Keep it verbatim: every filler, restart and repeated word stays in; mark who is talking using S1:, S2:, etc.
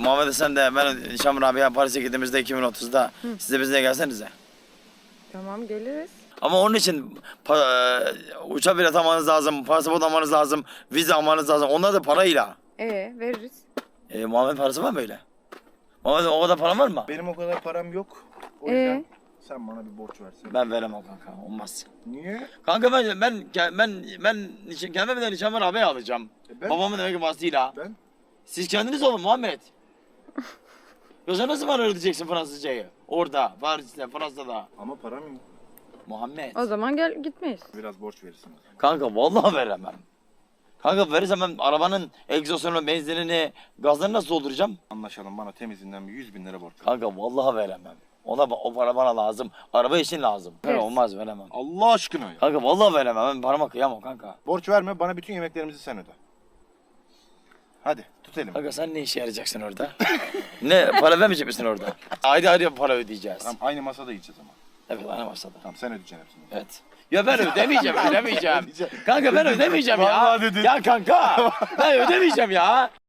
S1: Muhammed sen de ben Şamur abiye Paris'e gittiğimizde iki bin otuzda Hı. siz de bizle gelsenize.
S2: Tamam geliriz.
S1: Ama onun için pa- uçak bilet almanız lazım, pasaport almanız lazım, vize almanız lazım. Onlar da parayla.
S2: Ee veririz.
S1: E, Muhammed parası var mı öyle? Muhammed o kadar paran var mı?
S3: Benim o kadar param yok. O
S2: Ee?
S3: yüzden sen bana bir borç versin.
S1: Ben veremem kanka, olmaz.
S3: Niye?
S1: Kanka ben ben ben ben nişan, kendime de Şamur abiye alacağım.
S3: E ben?
S1: Babamın demek ki vasıtayla.
S3: Ben?
S1: Siz kendiniz olun Muhammed. Yoksa nasıl bana öğreteceksin Fransızcayı? Orada, Paris'te, Fransa'da.
S3: Ama param yok.
S1: Muhammed.
S2: O zaman gel gitmeyiz.
S3: Biraz borç verirsin o zaman.
S1: Kanka vallahi veremem. Kanka verirsem ben arabanın egzozunu, benzinini, gazlarını nasıl dolduracağım?
S3: Anlaşalım, bana temizinden bir yüz bin lira borç ver.
S1: Kanka vallahi veremem. Ona o para bana lazım. Araba için lazım. Kanka
S2: Evet.
S1: olmaz veremem.
S3: Allah aşkına ya.
S1: Kanka vallahi veremem. Ben parama kıyamam kanka.
S3: Borç verme, bana bütün yemeklerimizi sen öde. Hadi tut elimi.
S1: Kanka sen ne işe yarayacaksın orada? ne para vermeyecek misin orada? Ayrı ayrı para ödeyeceğiz.
S3: Tamam, aynı masada yiyeceğiz ama.
S1: Evet aynı masada.
S3: Tamam, sen ödeyeceksin hepsini.
S1: Evet. Ya ben ödemeyeceğim, ödemeyeceğim.
S3: Ödeyeceğim.
S1: Kanka ben ödemeyeceğim ya.
S3: Vallahi dedin.
S1: Ya kanka ben ödemeyeceğim ya.